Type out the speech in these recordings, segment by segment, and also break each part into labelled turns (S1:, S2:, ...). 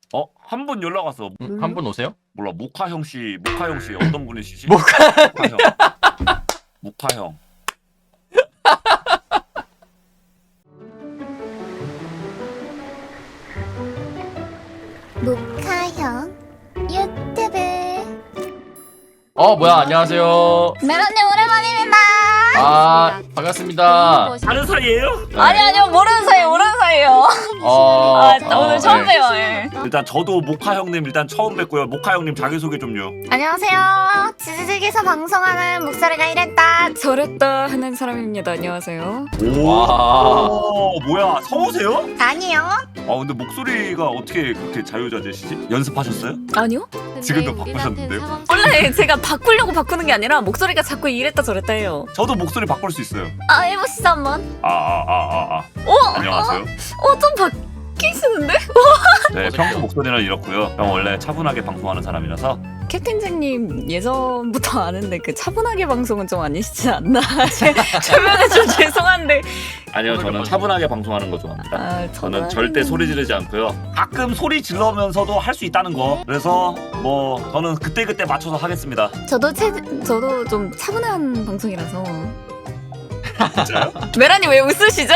S1: 한 분 연락 왔어.
S2: 한 분 오세요?
S1: 몰라, 모카형 씨 어떤 분이시지?
S2: 모카형.
S1: 모카형.
S3: 모카형 유튜브.
S2: 뭐야, 안녕하세요.
S3: 메론님 오랜만입니다.
S2: 반갑습니다.
S1: 다른 사이예요?
S4: 아니요 모르는 사이에요. 오늘 처음
S2: 네.
S4: 봬요. 예.
S1: 일단 저도 모카 형님 일단 처음 뵙고요. 모카 형님 자기 소개 좀요.
S3: 안녕하세요. 지지직에서 방송하는 목소리가 이랬다.
S4: 저랬다 하는 사람입니다. 안녕하세요.
S2: 와.
S1: 오, 뭐야, 성우세요?
S3: 아니요.
S1: 근데 목소리가 어떻게 그렇게 자유자재시지? 연습하셨어요?
S4: 아니요?
S1: 지금도 바꾸셨는데요?
S4: 원래 제가 바꾸려고 바꾸는 게 아니라 목소리가 자꾸 이랬다 저랬다 해요.
S1: 저도 목소리 바꿀 수 있어요.
S3: 해보시죠 한번.
S1: 안녕하세요.
S4: 좀 바뀌시는데?
S1: 네, 평소 목소리는 이렇고요. 형 원래 차분하게 방송하는 사람이라서.
S4: 캡틴잭님 예전부터 아는데 그 차분하게 방송은 좀 아니시지 않나? 주변에 좀 죄송한데.
S1: 아니요, 저는 차분하게 방송하는 거 좋아합니다. 저는 절대 소리 지르지 않고요. 가끔 소리 질러면서도 할 수 있다는 거. 그래서 뭐 저는 그때 맞춰서 하겠습니다.
S4: 저도 좀 차분한 방송이라서.
S1: 진짜요?
S4: 메라님 왜 웃으시죠?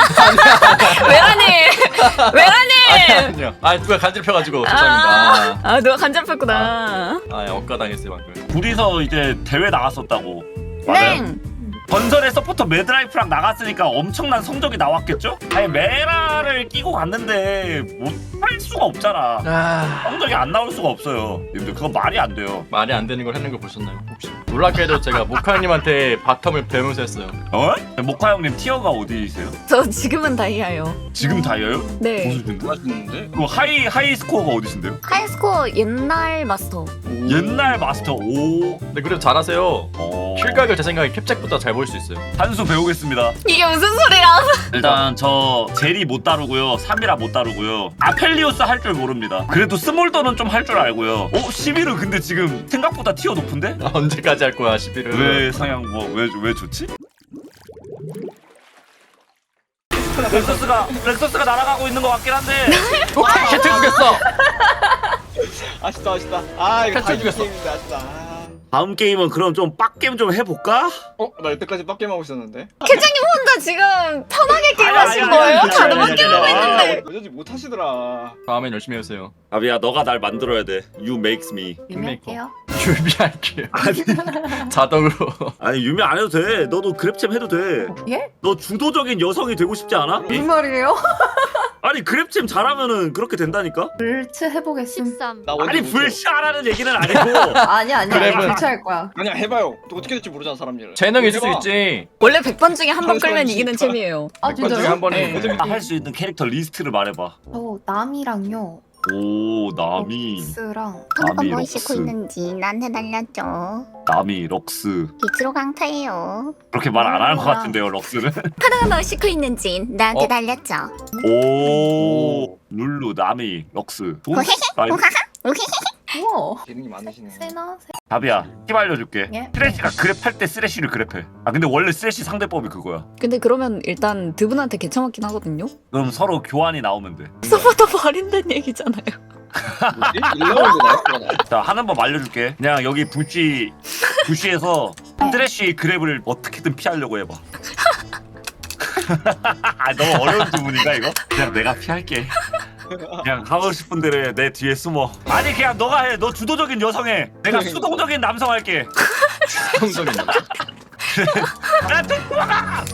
S4: 메라님!
S2: 아니요. 누가 간지럽혀가지고 죄송합니다.
S4: 누가 간잡혔구나.
S2: 억까당했어요 방금.
S1: 둘이서 이제 대회 나갔었다고. 맞아요?
S4: 네.
S1: 전설의 서포터 매드라이프랑 나갔으니까 엄청난 성적이 나왔겠죠? 아니, 메라를 끼고 갔는데 못할 수가 없잖아. 성적이 안 나올 수가 없어요. 님들 그건 말이 안 돼요.
S2: 말이 안 되는 걸 했는 거 보셨나요? 혹시? 놀랍게도 제가 모카님한테 바텀을 배우면서 했어요.
S1: 모카 형님 티어가 어디세요?
S4: 저 지금은 다이아요.
S1: 지금 다이어요?
S4: 네.
S1: 무슨 하시는데? 그럼 하이 스코어가 어디신데요?
S4: 하이스코어 옛날 마스터.
S1: 옛날 마스터. 오.
S2: 근데 그래도 잘하세요. 킬각을 제 생각에 캡잭보다 잘 볼 수 있어요.
S1: 한 수 배우겠습니다.
S4: 이게 무슨 소리야?
S1: 일단 저 제리 못 다루고요. 사미라 못 다루고요. 아펠리오스 할 줄 모릅니다. 그래도 스몰더는 좀 할 줄 알고요. 11은 근데 지금 생각보다 티어 높은데?
S2: 언제까지 할 거야 11을?
S1: 왜 상향 왜 좋지? 렉서스가 날아가고 있는 것 같긴 한데.
S2: 캐트 죽였어.
S5: 아쉽다. 이거
S2: 탈출 죽였어.
S5: 게임인데 아쉽다.
S1: 다음 게임은 그럼 좀 빡게임 좀 해볼까?
S5: 나 여태까지 빡게임 하고 있었는데.
S4: 캡장님 혼자 지금 편하게 게임하신 거예요? 다들 밖에 하고 있는데.
S5: 어쩐지 못하시더라.
S2: 다음엔 열심히 해보세요.
S1: 아비야, 너가 날 만들어야 돼. You makes me.
S4: 유명해요?
S2: 준비할게요. 자동으로.
S1: 아니, 유미 안 해도 돼. 너도 그랩챔 해도 돼.
S6: 예?
S1: 너 주도적인 여성이 되고 싶지 않아?
S6: 무슨 말이에요?
S1: 아니, 그랩챔 잘하면은 그렇게 된다니까?
S6: 불츠 해보겠음.
S5: 나 원래
S1: 아니,
S5: 못해.
S1: 불씨하라는 얘기는 아니고.
S6: 아니야.
S2: 그래면-
S6: 불츠 할 거야.
S5: 아니야 해봐요. 또 어떻게 될지 모르잖아 사람 일.
S2: 재능 있을 수
S5: 해봐.
S2: 있지.
S4: 원래 100번 중에 한 번
S5: 잠시만요,
S4: 끌면 이기는
S5: 진짜.
S4: 챔이에요.
S6: 아
S2: 몇 번 중에
S6: 진짜요?
S2: 한 번에.
S4: 네.
S1: 할 수 있는 캐릭터 리스트를 말해봐.
S6: 저 남이랑요.
S1: 오, 나미.
S6: 럭스랑
S3: 토너가 뭐
S1: 럭스.
S3: 싣고 있는지 나한테 날렸죠.
S1: 나미, 럭스.
S3: 빛으로 강타해요.
S1: 그렇게 말 안 하는 것 같은데요, 럭스는?
S3: 토너가 뭐 싣고 있는지 나한테 날렸죠.
S1: 오, 룰루, 나미, 럭스. 돈? 아이,
S6: 우와.
S5: 재능이 많으시네.
S6: 세나?
S1: 답이야. 팁 알려줄게.
S6: 예?
S1: 쓰레쉬가 그랩할 때 쓰레쉬를 그랩해. 근데 원래 쓰레쉬 상대법이 그거야.
S4: 근데 그러면 일단 두 분한테 개처맞긴 하거든요?
S1: 그럼 서로 교환이 나오면 돼.
S4: 서포터 버린다는 얘기잖아요.
S5: 뭐지? 1라운드 나왔구나.
S1: 자, 하는 법 알려줄게. 그냥 여기 부시에서 쓰레쉬 그랩을 어떻게든 피하려고 해봐. 너무 어려운 주문인가 이거? 그냥 내가 피할게. 그냥 하고 싶은 대로 해. 내 뒤에 숨어. 아니, 그냥 너가 해. 너 주도적인 여성 해. 내가 수동적인 남성 할게.
S2: 성적인.
S1: 나한테 도망가!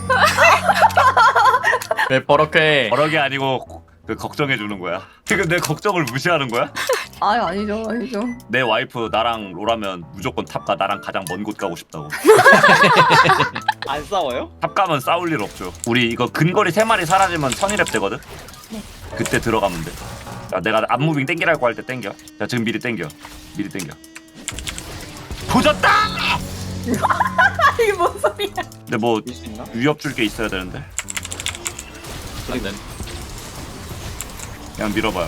S2: 왜 버럭해?
S1: 버럭이 아니고 그 걱정해 주는 거야. 지금 내 걱정을 무시하는 거야?
S6: 아니죠.
S1: 내 와이프 나랑 롤하면 무조건 탑가. 나랑 가장 먼 곳 가고 싶다고.
S5: 안 싸워요?
S1: 탑 가면 싸울 일 없죠. 우리 이거 근거리 3마리 사라지면 선의랩 되거든?
S6: 네.
S1: 그때 들어가면 돼. 자, 내가 앞무빙 땡기라고 할 때 땡겨. 자, 지금 미리 땡겨. 조졌다!
S6: 이게 뭔 소리야?
S1: 근데 뭐
S5: 이길 수 있나?
S1: 위협 줄 게 있어야 되는데.
S2: 네.
S1: 그냥 밀어봐요.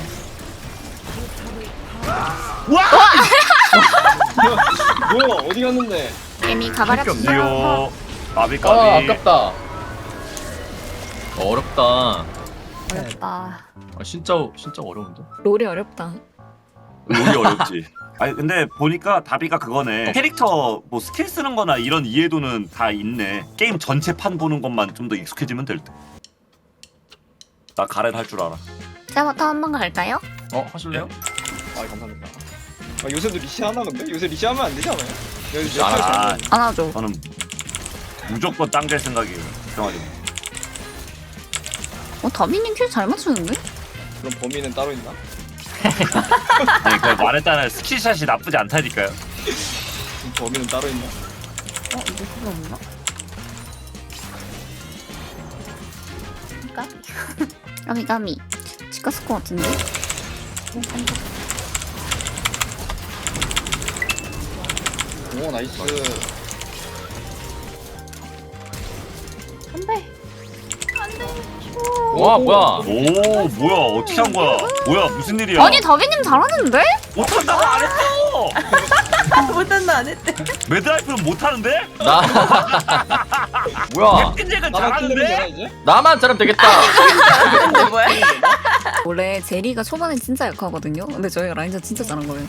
S5: 뭐야 어디 갔는데?
S3: 이미 가버렸어.
S1: 니오 아비까비.
S2: 아깝다. 어렵다.
S6: 어렵다.
S2: 진짜 어려운데.
S4: 롤이 어렵다.
S1: 롤이 어렵지. 아니 근데 보니까 다비가 그거네. 캐릭터 뭐 스킬 쓰는 거나 이런 이해도는 다 있네. 게임 전체 판 보는 것만 좀 더 익숙해지면 될 듯. 나 가렌 할 줄 알아.
S3: 제가부터 한번 갈까요?
S2: 하실래요?
S5: 아 감사합니다. 아, 요새도 리시하나 근데? 요새 리시하면 안 되지 않아요? 요새
S1: 아,
S4: 안 하죠.
S1: 저는 무조건 땅될 생각이에요. 걱정하지 마.
S4: 다미님 킬 잘 맞추는데?
S5: 그럼 범인은 따로 있나?
S1: 아니 그 말했잖아요. 스킬샷이 나쁘지 않다니까요.
S5: 그럼 범인은 따로 있나?
S6: 이거 필요 없나?
S3: 까미 집 갔을 것 같은데.
S5: 오 나이스.
S6: 안돼.
S2: 와 뭐야?
S1: 오 뭐야 어떻게 한 거야? 뭐야 무슨 일이야?
S3: 아니 다비님 잘하는데?
S1: 못한다고 안 했어.
S6: 못한다 안 했대.
S1: 매드라이프는 못하는데?
S2: 나 뭐야?
S1: 캡틴잭은
S5: 나만 킬레면 되나
S1: 잘하는데?
S5: 이제?
S2: 나만 잘하면 되겠다.
S6: 근데 뭐야?
S4: 원래 제리가 초반에 진짜 약하거든요. 근데 저희가 라인전 진짜 잘한 거예요.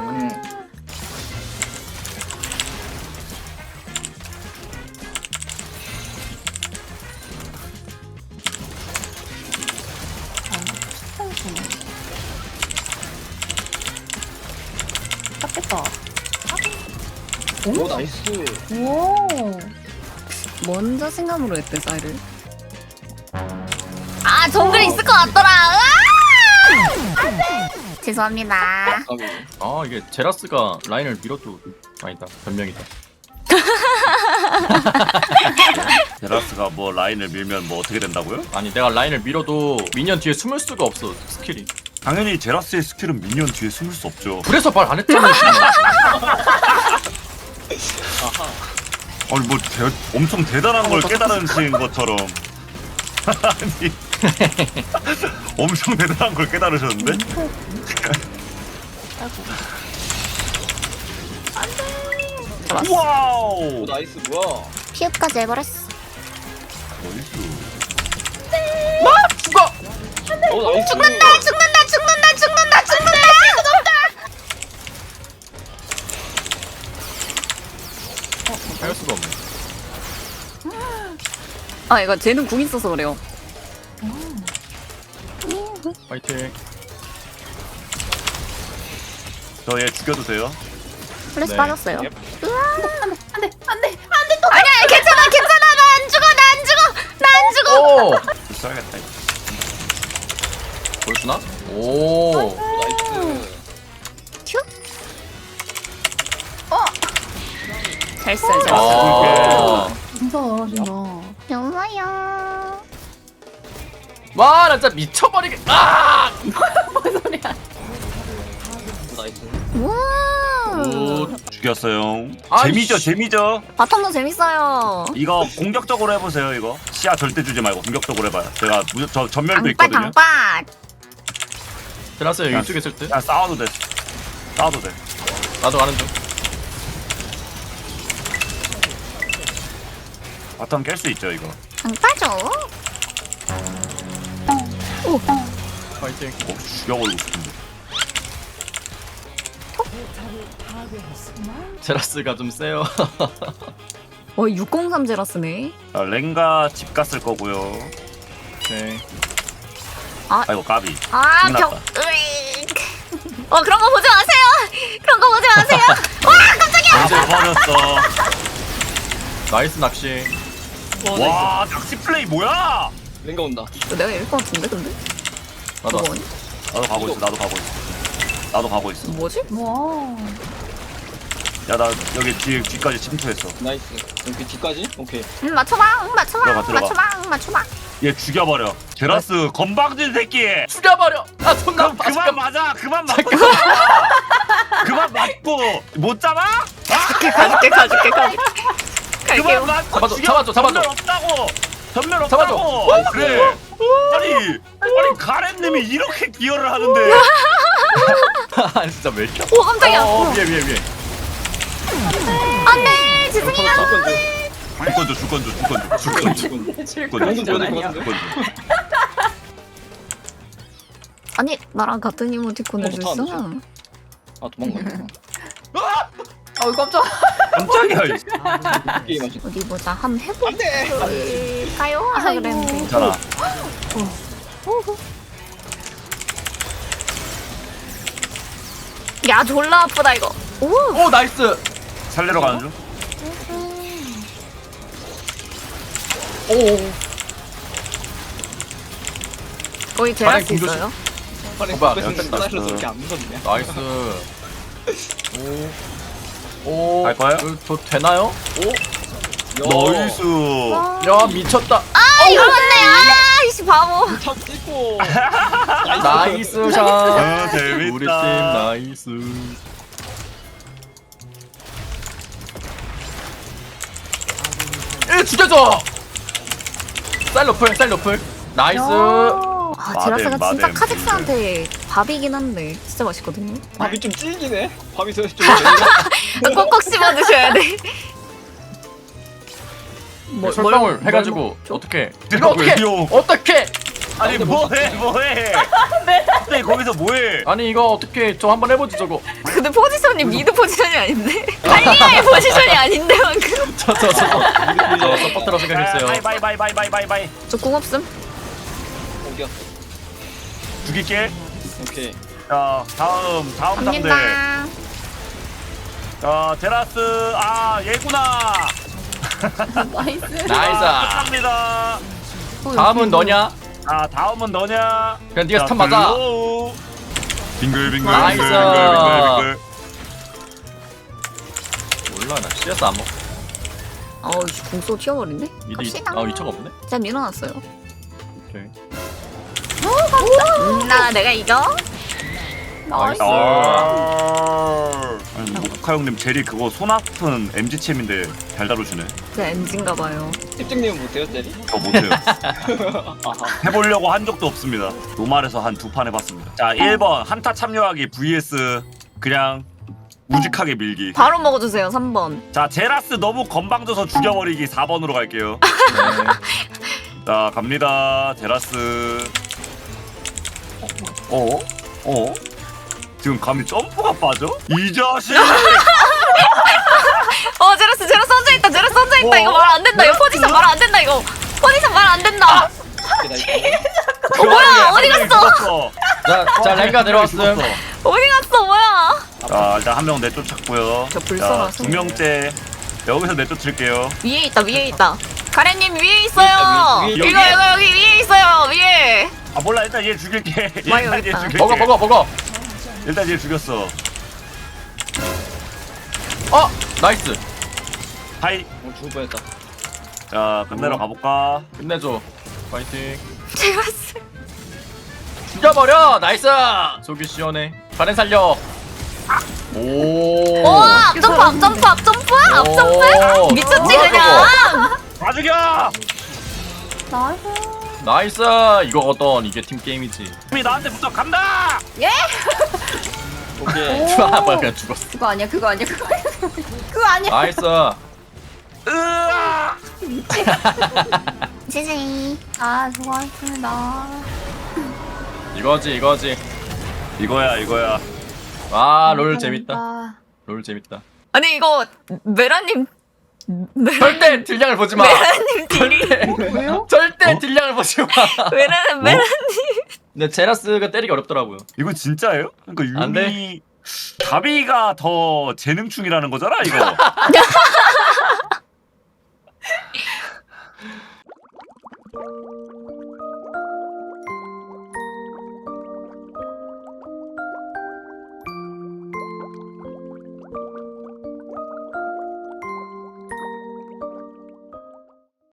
S6: 땄겠다.
S5: 오 나이스.
S6: 오.
S4: 뭔 자신감으로 했대 사이를.
S3: 아 정글이 있을 것 같더라. 죄송합니다.
S2: 아 이게 제라스가 라인을 밀어도 아니다 변명이다.
S1: 제라스가 뭐 라인을 밀면 뭐 어떻게 된다고요?
S2: 아니 내가 라인을 밀어도 미니언 뒤에 숨을 수가 없어 스킬이.
S1: 당연히 제라스의 스킬은 미니언 뒤에 숨을 수 없죠.
S2: 그래서 말 안 했잖아.
S1: 아니 뭐 엄청 대단한 걸 깨달으신 것처럼. 아니 엄청 대단한 걸 깨달으셨는데? 와우!
S5: 오 나이스 뭐야?
S3: 피읍까지 해버렸어.
S1: 나이스.
S5: 오 나이스.
S3: 죽는다 죽는다 죽는다 죽는다 죽는다.
S2: 할 수가 없네.
S4: 아 이거 쟤는 궁 있어서 그래요.
S2: 파이팅.
S1: 저 얘 죽여도 돼요?
S3: 플래시
S2: 네.
S3: 빠졌어요.
S5: 예.
S6: 안돼 안돼.
S3: 아니야 괜찮아 괜찮아 나 안 죽어 나 안 죽어 나 안 죽어.
S2: 오.
S1: 써야겠다.
S2: 보여주나? 오.
S5: 나이스.
S3: 큐. 잘했어요 잘했어요.
S2: 아.
S6: 진짜 잘하신다.
S3: 좋아요.
S2: 와, 나 진짜 미쳐버리게. 아!
S6: 뭔 소리야?
S5: 오 나이스.
S3: 우와.
S2: 굿.
S1: 죽였어요.
S2: 아이씨.
S1: 재미죠 재미죠?
S4: 바텀도 재밌어요.
S1: 이거 공격적으로 해보세요 이거. 시야 절대 주지 말고 공격적으로 해봐요. 제가 저 전멸도
S3: 방빠
S1: 있거든요.
S3: 방빠.
S2: 제라스 이쪽에 있을 때.
S1: 그냥 싸워도 돼. 싸워도 돼.
S2: 나도 가는 중.
S1: 바텀 깰 수 있죠 이거.
S3: 방빠죠.
S2: 파이팅.
S1: 죽여버리고 싶은데.
S2: 제라스가 좀 세요.
S4: 603 제라스네.
S1: 자, 랭가 집 갔을 거고요.
S2: 네.
S1: 아이고 까비.
S3: 아
S1: 끝났다.
S3: 벽. 으익. 그런 거 보지 마세요. 그런 거 보지 마세요. 와 깜짝이야.
S1: 이제 버렸어.
S2: 나이스 낚시.
S1: 와 낚시 플레이 뭐야?
S5: 랭가 온다.
S4: 내가 이길 것 같은데 근데?
S2: 나도 왔어.
S4: 뭐니?
S1: 나도 가고 있어. 나도 가고 있어. 나도 가고 있어.
S4: 뭐지?
S6: 와.
S1: 야 나 여기 뒤까지 침투했어.
S5: 나이스. 여기 뒤까지? 오케이.
S3: 맞춰봐. 맞춰봐.
S1: 들어가.
S3: 맞춰봐. 맞춰봐.
S1: 얘 죽여버려. 제라스 건방진 새끼.
S2: 죽여버려. 아, 존나
S1: 그럼 그만
S2: 잠깐.
S1: 맞아. 그만 맞고. 그만 맞고 못 잡아?
S4: 가줄게.
S1: 그만 맞고.
S2: 잡아줘.
S1: 전멸 없다고. 전멸
S2: 잡아줘.
S1: 없다고. 그래. 아니 가렌님이 이렇게 기여를 하는데.
S2: 아니 진짜 왜 이렇게.
S3: 오 깜짝이야.
S2: 위에.
S3: 안돼 죄송해요.
S1: 줄 건져.
S6: 내
S5: 방금 전에 그거
S4: 아니 나랑 같은 이모티콘을
S5: 더
S4: 줬어.
S5: 못하는데? 아 도망갔네.
S6: 어 깜짝.
S1: 깜짝이야. 이
S5: 게임 하시.
S4: 어디 보자. 한번 해볼까요?
S5: 안돼.
S4: 하자 그랬는데.
S1: 괜찮아.
S4: 야 졸라 아프다 이거. 오.
S2: 오 나이스.
S1: 살리러 가는 중.
S2: 오.
S4: 거의
S2: 가랭
S4: 제라스
S2: 공조심.
S4: 있어요.
S5: 빨리
S2: 오빠,
S5: 뺐는데
S2: 역시 나이스.
S5: 이렇게 안 무섭네.
S2: 나이스. 오.
S1: 갈 거예요?
S2: 저 되나요?
S1: 나이스.
S2: 야 미쳤다.
S4: 아 이거 맞네. 아 이씨 바보.
S5: 탑 찍고.
S2: 나이스 샷.
S1: 아, 재밌다.
S2: 우리 팀 나이스. 죽여줘. 쌀로플 쌀로플. 나이스.
S4: 아 제라스가
S1: 마뎀,
S4: 진짜
S1: 마뎀.
S4: 카직스한테 밥이긴 한데 진짜 맛있거든요.
S5: 밥이 좀 찔기네. 밥이 좀
S4: 아, 꼭꼭 씹어 드셔야 돼.
S2: 설명을 해가지고 어떻게? 이거
S1: 이거
S2: 어떻게?
S1: 왜요?
S2: 어떻게?
S1: 아니 뭐해? 갑자기 거기서 뭐해?
S2: 아니 이거 어떻게? 저 한번 해보지 저거.
S4: 근데 포지션이 미드 포지션이 아닌데? 할리아의 포지션이 아닌데 방금.
S2: 저 서포트라고 생각했어요.
S1: 바이.
S4: 저 궁 없음?
S5: 어디야?
S1: 죽일게.
S5: 오케이.
S1: 자 다음 상대.
S4: 갑니다.
S1: 자 제라스 얘구나.
S6: 나이스.
S2: 나이스.
S1: 끝납니다.
S2: 다음은 너냐?
S1: 아 다음은 너냐?
S2: 그냥 네가
S1: 자,
S2: 스탑 맞아.
S1: 글로우. 빙글빙글
S2: 나이스.
S1: 빙글빙글.
S2: 몰라 나 CS 안 먹.
S4: 어우 궁쏘 튀어버리네?
S2: 미드
S4: 갑시다.
S2: 위쳐가 없네.
S4: 진짜 밀어놨어요.
S2: 오케이.
S4: 나 내가 이겨?
S2: 나이스.
S1: 아니 모카 형님 제리 그거 손 아픈 MG챔인데 잘 다루시네.
S4: 그 엔진가봐요.
S5: 찝찝님은 못해요, 제리?
S1: 저 못해요.
S5: 아하.
S1: 해보려고 한 적도 없습니다. 노말에서 한 2판 해봤습니다. 자 1번 한타 참여하기 vs 그냥 우직하게 밀기.
S4: 바로 먹어주세요 3번.
S1: 자 제라스 너무 건방져서 죽여버리기 4번으로 갈게요.
S2: 네.
S1: 자 갑니다 제라스. 지금 감히 점프가 빠져? 이 자식!
S4: 제라스 혼자있다 제라스 혼자있다. 이거 말 안 된다. 이거 포지션 말 안 된다. 이거 포지션 말 안 된다. 뭐야 어디 갔어?
S2: 자 랭가 내려왔음.
S4: 어디 갔어 뭐야?
S1: 자 일단 한 명 내쫓았고요.
S4: 저 불쌍하소.
S1: 2명째 여기서 내쫓을게요.
S4: 위에 있다. 가래님 위에 있어요.
S5: 위에,
S4: 이거
S1: 위에.
S4: 여기 위에 있어요 위에.
S1: 아 몰라 일단 얘 죽일게.
S4: 와요,
S1: 일단 얘
S4: 일단.
S1: 죽일게.
S2: 먹어.
S1: 일단 얘 죽였어.
S2: 나이스.
S1: 하이.
S5: 죽을 뻔했다.
S1: 자 끝내러 가볼까?
S2: 끝내줘. 파이팅.
S4: 제라스.
S2: 죽여버려. 나이스. 속이 시원해. 가렌 살려. 오.
S4: 오 앞점프
S2: 오.
S4: 미쳤지
S2: 뭐야,
S4: 그냥.
S1: 다 죽여!
S6: 나이스.
S2: 나이스. 이거거든. 이게 팀 게임이지.
S1: 힘이 나한테 붙어 간다!
S5: 오케이.
S2: 좋아. 그냥 죽었어.
S6: 그거 아니야. 그거 아니야.
S2: 나이스.
S1: 으아!
S4: 지지.
S6: 아 수고하셨습니다.
S2: 이거지.
S1: 이거야.
S2: 롤 재밌다. 롤 재밌다.
S4: 아니 이거 메라님
S2: 절대 딜량을 보지 마.
S4: 메라님 딜이
S6: 왜요?
S2: 절대 딜량을 보지 마.
S4: 메라님
S2: 근데 제라스가 때리기 어렵더라고요.
S1: 이거 진짜예요? 그러니까
S2: 안
S1: 유미 가비가 더 재능충이라는 거잖아 이거.